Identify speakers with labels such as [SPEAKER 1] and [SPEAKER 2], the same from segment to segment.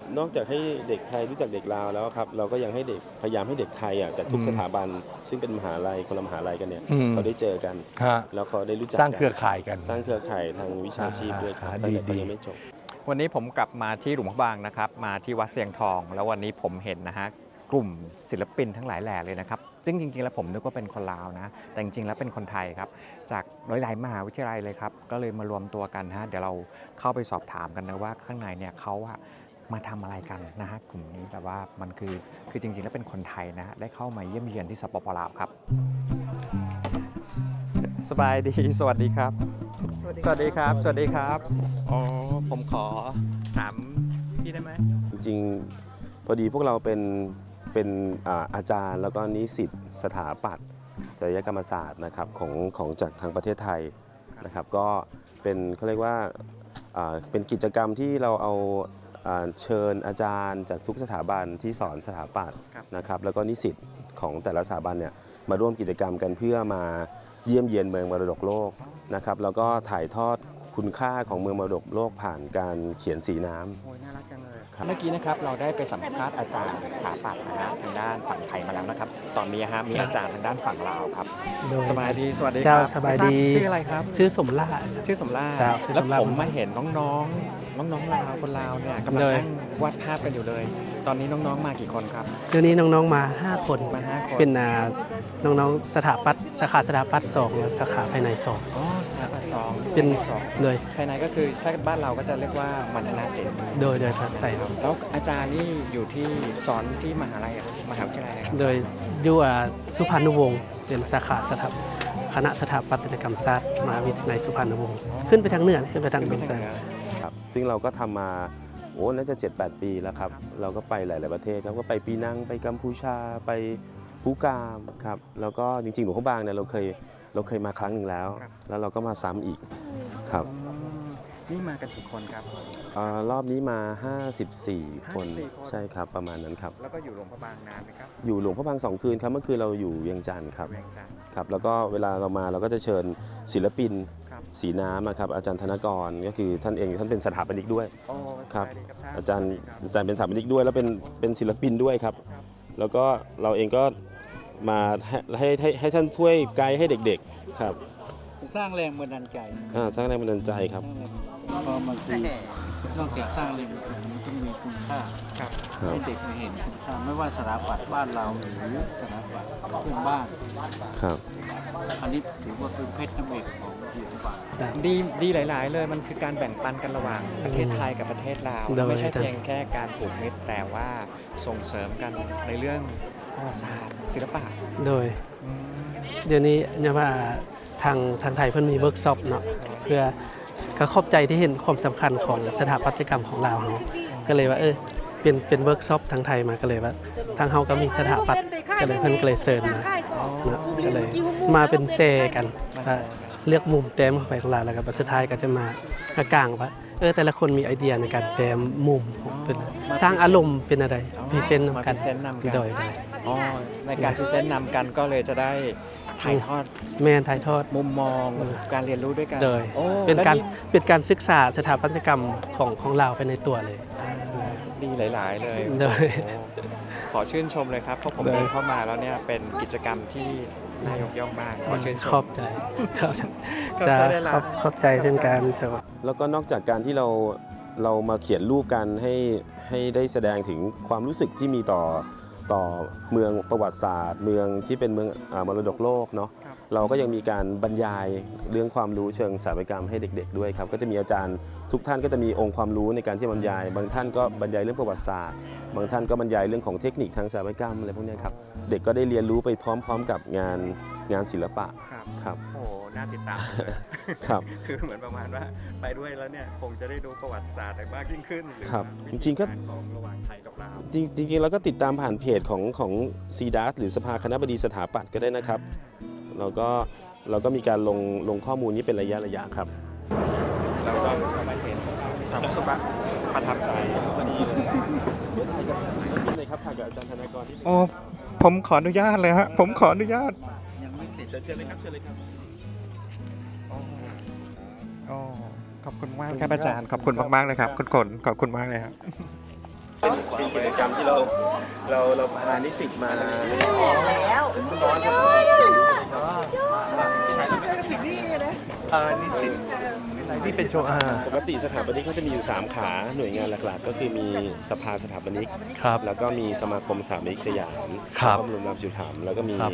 [SPEAKER 1] นอกจากให้เด็กไทยรู้จักเด็กลาวแล้วครับเราก็ยังให้เด็กพยายามให้เด็กไทยจากทุกสถาบันซึ่งเป็นมหาลัยคนละมหาลัยกันเนี่ยเขาได้เจอกันแล้วเขาได้รู้จัก
[SPEAKER 2] สร้างเครือข่ายกัน
[SPEAKER 1] สร้างเครือข่ายทางวิชาชีพด้วยครับตั้งแต่ตอนยังไม่จบ
[SPEAKER 3] วันนี้ผมกลับมาที่หลวงพระบางนะครับมาที่วัดเสียงทอง แล้ววันนี้ผมเห็นนะฮะกลุ่มศิลปินทั้งหลายแหล่เลยนะครับซึ่งจริงๆแล้วผมนึกว่าเป็นคนลาวนะแต่จริงๆแล้วเป็นคนไทยครับจากหลายๆมหาวิทยาลัยเลยครับก็เลยมารวมตัวกันฮะเดี๋ยวเราเข้าไปสอบถามกันนะว่าข้างในเนี่ยเขามาทำอะไรกันนะฮะกลุ่มนี้แต่ว่ามันคือจริงๆแล้วเป็นคนไทยนะฮะได้เข้ามาเยี่ยมเยียนที่สปป.ลาวครับสบายดีสวัสดีครับสวัสดีครับสวัสดีครับอ๋อผมขอถามพี่ได้ไหม
[SPEAKER 1] จริงๆพอดีพวกเราเป็นอาจารย์แล้วก็นิสิตสถาปัตย์จริยกรรมศาสตร์นะครับของจากทางประเทศไทยนะครับก็เป็นเขาเรียกว่าเป็นกิจกรรมที่เราเอาเชิญอาจารย์จากทุกสถาบันที่สอนสถาปัตย์นะครับแล้วก็นิสิตของแต่ละสถาบันเนี่ยมาร่วมกิจกรรมกันเพื่อมาเยี่ยมเยียนเมืองมรดกโลกนะครับแล้วก็ถ่ายทอดคุณค่าของเมืองมรดกโลกผ่านการเขียนสีน้ำ
[SPEAKER 3] โอ้ยน่ารักจังเลยเมื่อกี้นะครับเราได้ไปสัมภาษณ์อาจารย์สถาปัตย์นะฮะทางด้านฝั่งไทยมาแล้วนะครับตอนนี้มีอาจารย์ทางด้านฝั่งลาวครับสบายดีสวัสดีครับ
[SPEAKER 4] สบายดี
[SPEAKER 3] ชื่ออะไรครับ
[SPEAKER 4] ชื่อสมราช
[SPEAKER 3] ชื่อสมราชแล้วผมมาเห็นน้องลาวคนลาวเนี่ยกำลังนั่งวาดภาพกันอยู่เลยตอนนี้น้องๆมากี่คนครับ
[SPEAKER 4] เดี๋ยวนี้น้องๆมา5 คนเป็นน้องๆสถาปัตย์สาขาสถาปัตย์2และสาขาภายใน2
[SPEAKER 3] อ๋อสถาปัตย์2
[SPEAKER 4] เป็นเลย
[SPEAKER 3] ภายในก็คือถ้าบ้านเราก็จะเรียกว่ามัณฑนศิลป์
[SPEAKER 4] โดยครับใช่ครับ
[SPEAKER 3] แล้วอาจารย์นี่อยู่ที่สอนที่มหาลัยมหาวิทยาลัยอะไร
[SPEAKER 4] โดยอยู่สุพรรณวงศ์เป็นสาขาคณะสถาปัตยกรรมศาสตร์มหาวิทยาลัยสุพรรณวงศ์ขึ้นไปทางเหนือขึ้นไปทางเหนือ
[SPEAKER 1] ครับซึ่งเราก็ทำมาน่าจะ 7-8 ปีแล้วครับเราก็ไปหลายๆประเทศครับก็ไปปีนังไปกัมพูชาไปภูกามครับแล้วก็จริงๆหลวงพระบางเนี่ยเราเคยมาครั้งหนึ่งแล้วแล้วเราก็มาซ้ำอีกครับ
[SPEAKER 3] นี่มากันกี่คนครับ
[SPEAKER 1] รอบนี้มา54 คนใช่ครับประมาณนั้นครับ
[SPEAKER 3] แล้วก็อยู่หลวงพระบางนานไหมครับ
[SPEAKER 1] อยู่หลวงพระบาง2 คืนครับเมื่อคืนเราอยู่เวียงจันทร์ครับครับแล้วก็เวลาเรามาเราก็จะเชิญศิลปินสีน้ำครับอาจารย์ธนกรก็คือท่านเป็นสถาปนิกด้วยครับอาจารย์เป็นสถาปนิกด้วยแล้วเป็นศิลปินด้วยครับแล้วก็เราเองก็มาให้ท่านช่วยไกด์ให้เด็กๆครับ
[SPEAKER 5] สร้างแรงบันดาลใจ
[SPEAKER 1] สร้างแรงบันดาลใจครับ
[SPEAKER 5] เพราะมันคือนอกจากสร้างแรงบันดาลใจมันต้องมีคุณค่าให้เด็กมาเห็นคุณค่าไม่ว่าสถาปัตย์บ้านเราหรือสถาปัตย์เพื่อนบ้าน
[SPEAKER 1] ครับ
[SPEAKER 5] อันนี้ถือว่าเป็นเพชรน้ำเอกของศิลปะ
[SPEAKER 3] ดีหลายๆเลยมันคือการแบ่งปันกันระหว่างประเทศไทยกับประเทศลาวไม่ใช่เพียงแค่การผูกมิตรแต่ว่าส่งเสริมกันในเรื่องประวัติศาสตร์ศิลปะ
[SPEAKER 4] โดยเดี๋ยวนี้เนี่ยว่าทางไทยเพิ่นมีเวิร์กช็อปเนาะเพื่อก็ขอบใจที่เห็นความสำคัญของสถาปัตยกรรมของเราก็เลยว่าเป็นเวิร์กช็อปทางไทยมาก็เลยว่าทางเฮาก็มีสถาปัตย์ก็เลยเพิ่นก็เลยเชิญมาก็เลยมาเป็นเซกันเลือกมุมแต้มเข้าไปของเราแล้วก็สุดท้ายก็จะมากลางว่าแต่ละคนมีไอเดียในการแต้มมุมเป็นสร้างอารมณ์เป็นอะไรพรีเซนต์นำกันโดย
[SPEAKER 3] ในการพรีเซนต์นำกันก็เลยจะได้ถ่ายทอด
[SPEAKER 4] ถ่ายทอด
[SPEAKER 3] มุมมองการเรียนรู้ด้วยกัน
[SPEAKER 4] เลยเป็นการศึกษาสถาปัตยกรรมของเราไปในตัวเลย
[SPEAKER 3] ดีหลายๆเลยขอชื่นชมเลยครับเพราะผมเดินเข้ามาแล้วเนี่ยเป็นกิจกรรมที่น่ายกย่องมากขอชื่นชม
[SPEAKER 4] ขอบใจขอบใจเช่นกัน
[SPEAKER 1] แล้วก็นอกจากการที่เรามาเขียนรูปกันให้ได้แสดงถึงความรู้สึกที่มีต่อเมืองประวัติศาสตร์เมืองที่เป็นเมืองมรดกโลกเนาะเราก็ยังมีการบรรยายเรื่องความรู้เชิงสถาปัตยกรรมให้เด็กๆด้วยครับก็จะมีอาจารย์ทุกท่านก็จะมีองค์ความรู้ในการที่บรรยายบางท่านก็บรรยายเรื่องประวัติศาสตร์บางท่านก็บรรยายเรื่องของเทคนิคทางสถาปัตยกรรมอะไรพวกนี้ครับเด็กก็ได้เรียนรู้ไปพร้อมๆกับงานศิลปะครับ
[SPEAKER 3] โอ้น่าติดตามเลย
[SPEAKER 1] ครับ
[SPEAKER 3] คือเหมือนประมาณว่าไปด้วยแล้วเนี่ยคงจะได้ดูประวัติศาสตร์มากยิ่งขึ้น
[SPEAKER 1] ครับจริงๆก็
[SPEAKER 3] ของระหว่างไทยกับลาว
[SPEAKER 1] จริงๆเราก็ติดตามผ่านเพจของซีดัสหรือสภาคณบดีสถาปัตย์ก็ได้นะครับเราก็มีการลงข้อมูลนี้เป็นระยะครับ
[SPEAKER 3] เราก็มาเห็นความรู้สึกประทับใจ
[SPEAKER 1] เลยครับถ่ายกับอาจารย์ธนากรที่
[SPEAKER 3] ผมขออนุญาตเลยฮะผมขออนุญาต
[SPEAKER 5] ยังไม่เสร็จ
[SPEAKER 1] เชิญเลยครับเชิญเลยครับ
[SPEAKER 3] ขอบคุณมากครับอาจารย์ขอบคุณมากๆเลยครับคุณขนขอบคุณมากเลยครับ
[SPEAKER 1] เป็นกิจกรรมที่เราพานิสิตมา
[SPEAKER 5] นิสิตนี่เป็นโชว์
[SPEAKER 1] ปกติสถาปนิกเขาจะมีอยู่ 3 ขาหน่วยงานหลักๆ ก็คือมีสภาสถาปนิก
[SPEAKER 5] ครับ
[SPEAKER 1] แล้วก็มีสมาคมสถาปนิกสยาม
[SPEAKER 5] ครับ
[SPEAKER 1] พระบรมราชูปถัมภ์แล้วก็มี
[SPEAKER 5] ครับ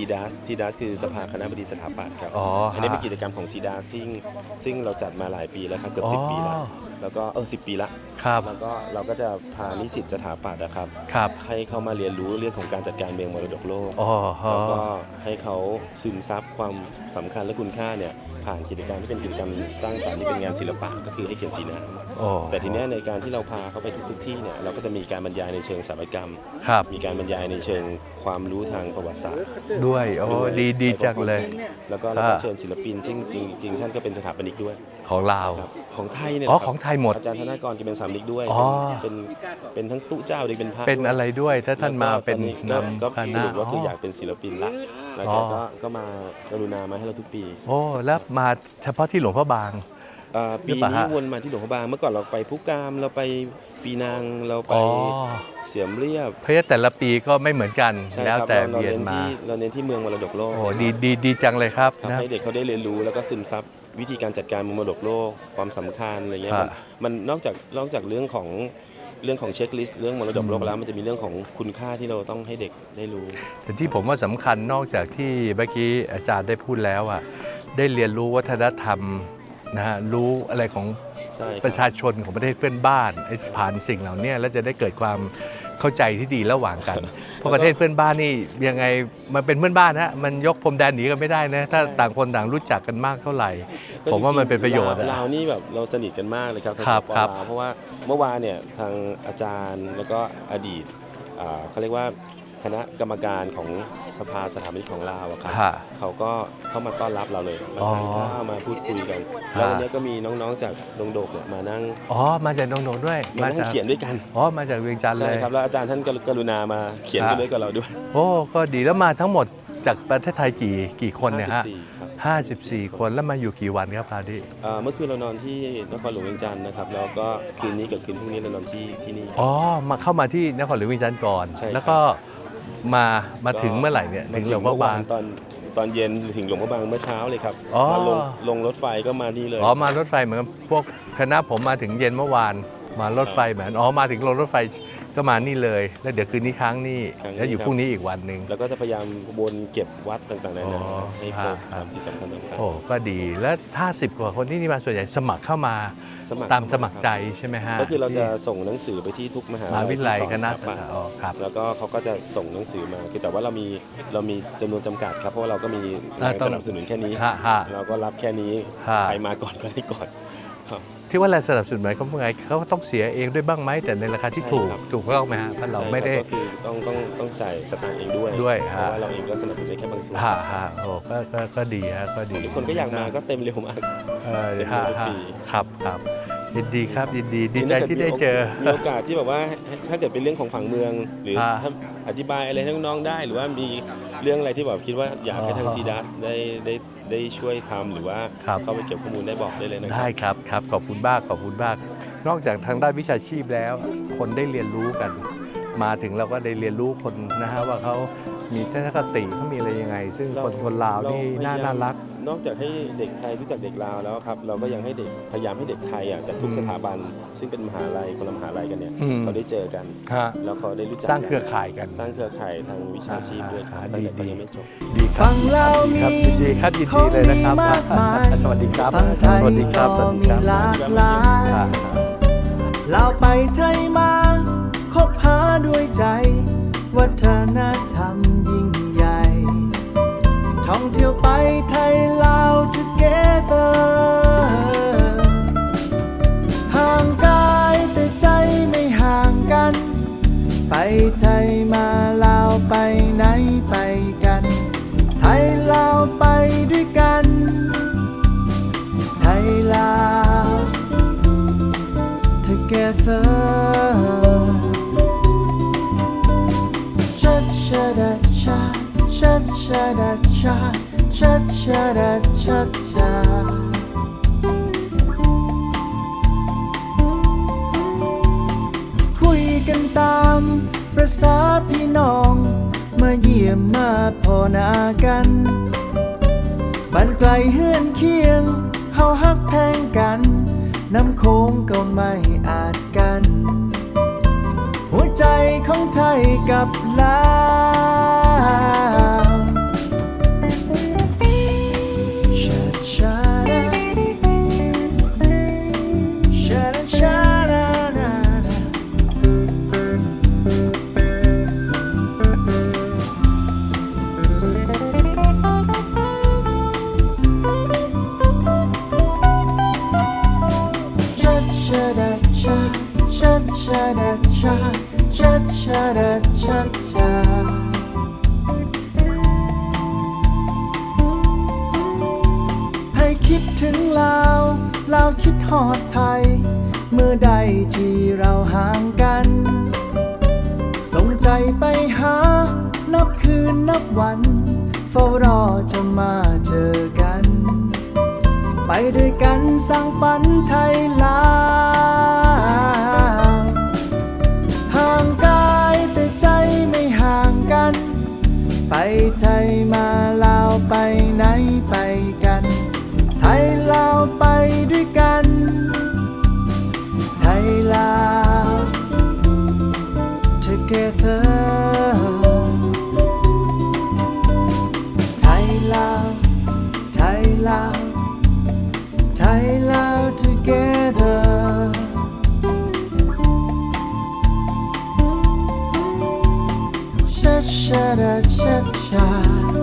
[SPEAKER 1] CDAS คือสภาคณบดีสถาปัตย์ครับ
[SPEAKER 5] อ๋ออั
[SPEAKER 1] นนี้เป็นกิจกรรมของ CDAS ซึ่งเราจัดมาหลายปีแล้วครับเกือบ
[SPEAKER 5] อ๋อ
[SPEAKER 1] 10 ปีแล้วแล้วก็10 ปีละ
[SPEAKER 5] ครับ
[SPEAKER 1] แล้วก็เราก็จะพานิสิตสถาปัตย์นะครับ
[SPEAKER 5] ครับ
[SPEAKER 1] ให้เข้ามาเรียนรู้เรื่องของการจัดการเมืองมรดกโลก
[SPEAKER 5] อ๋อ
[SPEAKER 1] แล้วก็ให้เขาซึมซับความสำคัญและคุณค่าเนี่ยผ่านกิจกรรมที่เป็นกิจกรรมสร้างสรรค์ที่เป็นงานศิลปะก็คือให้เขียนสีน้
[SPEAKER 5] โอ้
[SPEAKER 1] ำแต่ทีเนี้ยในการที่เราพาเขาไปทุกที่เนี่ยเราก็จะมีการบรรยายในเชิงสถาปัตยกรรม
[SPEAKER 5] ครับ
[SPEAKER 1] มีการบรรยายในเชิงความรู้ทางประวัติศาสตร์
[SPEAKER 5] ด้วยโอ้ดีจังเลย
[SPEAKER 1] แล้วก็เราก็เชิญศิลปินซึ่งจริงๆท่านก็เป็นสถาปนิกด้วย
[SPEAKER 5] ของลาว
[SPEAKER 1] ครับของไทยเนี่ย
[SPEAKER 5] อ๋อ
[SPEAKER 1] ครับ
[SPEAKER 5] ของไทยหมด
[SPEAKER 1] อาจารย์ธนากรจะเป็นสถาปนิกด้วย
[SPEAKER 5] อ๋อ
[SPEAKER 1] เป็นทั้งตุ๊เจ้าด้วยเป็นพระ
[SPEAKER 5] เป็น
[SPEAKER 1] ด้วย
[SPEAKER 5] อะไรด้วยถ้าท่านมาเป็น
[SPEAKER 1] แล้วก็
[SPEAKER 5] นำค
[SPEAKER 1] ส
[SPEAKER 5] ณะ
[SPEAKER 1] รุปว่าคืออยากเป็นศิลปินละแล้ว
[SPEAKER 5] อ๋อ
[SPEAKER 1] ก็มากรุณามาให้เราทุกปี
[SPEAKER 5] โอ้แล้วมาเฉพาะที่หลวงพระบาง
[SPEAKER 1] ปี
[SPEAKER 5] หรือเปล่า
[SPEAKER 1] นี้
[SPEAKER 5] ฮะ
[SPEAKER 1] วนมาที่หลวงพระบางเมื่อก่อนเราไปพุกามเราไปปีนางเราไป
[SPEAKER 5] อ๋อ
[SPEAKER 1] เสียมเรียบ
[SPEAKER 5] เพราะฉะนั้นแต่ละปีก็ไม่เหมือนกัน
[SPEAKER 1] ใช่
[SPEAKER 5] แล้ว
[SPEAKER 1] ครับ
[SPEAKER 5] แต่
[SPEAKER 1] เรา
[SPEAKER 5] เรียนมา
[SPEAKER 1] เราเน้นที่เมืองมรดกโลก
[SPEAKER 5] โอ้ดีจังเลยครับ
[SPEAKER 1] ครับ
[SPEAKER 5] นะ
[SPEAKER 1] ให้เด็กเขาได้เรียนรู้แล้วก็ซึมซับวิธีการจัดการมรดกโลกความสำคัญอะไรเงี้ย
[SPEAKER 5] ครับ
[SPEAKER 1] มันนอกจากเรื่องของเช็คลิสต์เรื่องมรดกโลกแล้วมันจะมีเรื่องของคุณค่าที่เราต้องให้เด็กได้รู้
[SPEAKER 5] แต่ที่ผมว่าสำคัญนอกจากที่เมื่อกี้อาจารย์ได้พูดแล้วอ่ะได้เรียนรู้วัฒนธรรมนะฮะรู้อะไรของ
[SPEAKER 1] ใช่ค
[SPEAKER 5] ป
[SPEAKER 1] รับ
[SPEAKER 5] ระชาชนของประเทศเพื่อนบ้านไอ้ผ่านสิ่งเหล่านี้แล้วจะได้เกิดความเข้าใจที่ดีระหว่างกัน เพราะประเทศเพื่อนบ้านนี่ยังไงมันเป็นเพื่อนบ้านฮะมันยกพรมแดนหนีกันไม่ได้นะถ้าต่างคนต่างรู้จักกันมากเท่าไหร่ ผมว่ามันเป็นประโยชน์อะ
[SPEAKER 1] ลาวนี่แบบเราสนิทกันมากเลยครับทาง
[SPEAKER 5] ครับ
[SPEAKER 1] สป
[SPEAKER 5] ครับ
[SPEAKER 1] ลาวเพราะว่าเมื่อวานเนี่ยทางอาจารย์แล้วก็อดีตเขาเรียกว่าคณะกรรมการของสภาสถาปนิกของลาวอะครับ
[SPEAKER 5] ค่ะ
[SPEAKER 1] เขาก็เข้ามาต้อนรับเราเลยมา
[SPEAKER 5] อ๋อ
[SPEAKER 1] ทานข้าวมาพูดคุยกัน
[SPEAKER 5] ค่ะ
[SPEAKER 1] แล้ววันนี้ก็มีน้องๆจากดงโดกเนี่ยมานั่ง
[SPEAKER 5] อ๋อมาจากน้องๆด้วย
[SPEAKER 1] มานั่งเขียนด้วยกัน
[SPEAKER 5] อ๋อมาจากเวียงจันทร์เล
[SPEAKER 1] ใช่
[SPEAKER 5] ย
[SPEAKER 1] ครับแล้วอาจารย์ท่านก็กรุณามาเขียน
[SPEAKER 5] ครับ
[SPEAKER 1] ด้วยกับเราด้วย
[SPEAKER 5] โอ้ก็ดีแล้วมาทั้งหมดจากประเทศไทยกี่คนเนี่ยฮะ
[SPEAKER 1] 54ครับ
[SPEAKER 5] 54 คนแล้วมาอยู่กี่วันครับคราวนี้
[SPEAKER 1] เมื่อคืนเรานอนที่นครหลวงเวียงจันทร์นะครับแล้วก็คืนนี้กับคืนพรุ่งนี้เรานอนที่นี่
[SPEAKER 5] อ๋อมาเข้ามาที่นครหลวงเวียงจันทร์ก่อน
[SPEAKER 1] ใช่ครับ
[SPEAKER 5] แล้วก็มาถึงเมื่อไหร่เนี่ยถึงหลวงพระบาง
[SPEAKER 1] ตอนเย็นถึงหลวงพระบางเมื่อเช้าเลยครับ
[SPEAKER 5] อ๋อ
[SPEAKER 1] มาลงรถไฟก็มานี่เลย
[SPEAKER 5] อ๋อมารถไฟเหมือนกับพวกคณะผมมาถึงเย็นเมื่อวานมารถไฟเหมือนอ๋อมาถึงลงรถไฟก็มานี่เลย แล้วเดี๋ยวคืนนี้ค้างนี่แล้วอยู่พรุ่งนี้อีกวันหนึ่ง
[SPEAKER 1] แล้วก็จะพยายามวนเก็บวัดต่างๆนา
[SPEAKER 5] อ๋
[SPEAKER 1] นา
[SPEAKER 5] อ
[SPEAKER 1] ให้ครบ
[SPEAKER 5] ครับ
[SPEAKER 1] ที่สำคัญ
[SPEAKER 5] โอ้ก็ดีแล้ว50 กว่าคนที่นี่มาส่วนใหญ่สมัครเข้ามาตามสมัครใจใช่ไหมฮะ
[SPEAKER 1] ก็คือเราจะส่งหนังสือไปที่ทุกมหาม
[SPEAKER 5] หาวิทยาลัย
[SPEAKER 1] ที่ส
[SPEAKER 5] ค
[SPEAKER 1] อน
[SPEAKER 5] ณะ
[SPEAKER 1] สถาปัตย์
[SPEAKER 5] อ๋อครับ
[SPEAKER 1] แล้วก็เขาก็จะส่งหนังสือมาคือแต่ว่าเรามีจำนวนจำกัดครับเพราะว่าเราก็มีแรงสนับสนุนแค่นี้
[SPEAKER 5] ฮะฮะ
[SPEAKER 1] เราก็รับแค่นี้
[SPEAKER 5] ฮะ
[SPEAKER 1] ใครมาก่อนก็ได้ก่อนครับ
[SPEAKER 5] ที่ว่าแรงสนับสนุนหมายความว่าไงเขาต้องเสียเองด้วยบ้างไหมแต่ในราคาที่ถูก
[SPEAKER 1] ใช่ครับ
[SPEAKER 5] ถูกต้องไหมฮะเพราะเราไม่ได้
[SPEAKER 1] ใช่ครับก็คือต้องจ่ายสตางค์เองด้วย
[SPEAKER 5] ด้วย
[SPEAKER 1] เพ
[SPEAKER 5] ฮะ
[SPEAKER 1] ราะว่าเราเองก็สนับสนุนได้แค่บางส่วน
[SPEAKER 5] ฮะฮะโอ้ก็ดีฮะก็ดี
[SPEAKER 1] ทุกคนก็อยากมาก็เต็มเร็วมาก เต็ม
[SPEAKER 5] ฮะ
[SPEAKER 1] ทุก
[SPEAKER 5] ฮะ
[SPEAKER 1] ปี
[SPEAKER 5] ครับยินดีครับยินดีดีใจที่ได้เจอ
[SPEAKER 1] มีโอกาสที่แบบว่าถ้าเกิดเป็นเรื่องของฝั่งเมือง หรือ
[SPEAKER 5] ฮะ
[SPEAKER 1] ถ้าอธิบายอะไรให้น้องๆได้ หรือว่ามีเรื่องอะไรที่แบบคิดว่าอยากให้ทาง
[SPEAKER 5] อ๋อ
[SPEAKER 1] ซีดัสได้ช่วยทำหรือว่า
[SPEAKER 5] ครับ
[SPEAKER 1] เข้าไปเก็บข้อมูลได้บอกได้เลยนะค
[SPEAKER 5] ได้
[SPEAKER 1] รับ
[SPEAKER 5] ครับขอบคุณมากขอบคุณมาก นอกจากทางด้านวิชาชีพแล้ว คนได้เรียนรู้กัน มาถึงเราก็ได้เรียนรู้คนนะฮะว่าเขามีทัศนคติเขามีอะไรยังไง ซึ่งคนลาวนี่น่ารัก
[SPEAKER 1] นอกจากให้เด็กไทยรู้จักเด็กลาวแล้วครับเราก็ยังให้เด็กพยายามให้เด็กไทยจากทุก
[SPEAKER 5] อืม
[SPEAKER 1] สถาบัน ซึ่งเป็นมหาลัยคนละมหาลัยกันเนี่ย
[SPEAKER 5] อืม
[SPEAKER 1] เขาได้เจอกัน
[SPEAKER 5] ฮะ
[SPEAKER 1] แล้วเขาได้รู้จัก
[SPEAKER 5] สร้างเครือข่ายกัน
[SPEAKER 1] สร้างเครือข่ายทางวิชาชีพด้วยครับตั้งแต่เขายังไม่จบ
[SPEAKER 5] ดีครั
[SPEAKER 2] ฟั
[SPEAKER 5] บ
[SPEAKER 2] งเรามี
[SPEAKER 5] ครับยินดีครับยินดีเลยนะครับ
[SPEAKER 2] ของมีมากมาย
[SPEAKER 5] สวัสดีครับ
[SPEAKER 2] ฟังไทย
[SPEAKER 5] สวัสดีครับส
[SPEAKER 2] ก็
[SPEAKER 5] วัสดี
[SPEAKER 2] มี
[SPEAKER 5] ครับ
[SPEAKER 2] หลากหลาย
[SPEAKER 5] ครับ
[SPEAKER 2] เราไปไทยมาคบหาด้วยใจ วัฒนธรรมยิ่งใหญ่ ท่องเที่ยวไปไทยลาว together ห่างกายแต่ใจไม่ห่างกัน ไปไทยมาลาวไปไหนไปกัน ไทยลาวไปด้วยกัน ไทยลาว together ชัดชะดัดชาชัดชะดัดชาชัดชะดัดชัดชาตามประสาพี่น้องมาเยี่ยมมาพอหนากันบ้านไกลเฮือนเคียงเฮาฮักแพงกันน้ำโค้งก็ไม่อาจกัน หัวใจของไทยกับลาวชาชาดาชาดาชาดาดาดาชาชาดาชาชาชาดาชาชัดชาดาชัดชาไทยคิดถึงลาวลาวคิดฮอดไทย เมื่อใดที่เราห่างกันส่งใจไปหานับคืนนับวันเฝ้ารอจะมาเจอกัน ไปด้วยกันสร้างฝันไทยลาวห่างกายแต่ใจไม่ห่างกัน ไปไทยมาลาวไปไหนไปกัน ไทยลาวไปด้วยกัน ไทยลาว together ไทยลาวไทยลาวไทยลาว togetherชาชาดาชาชา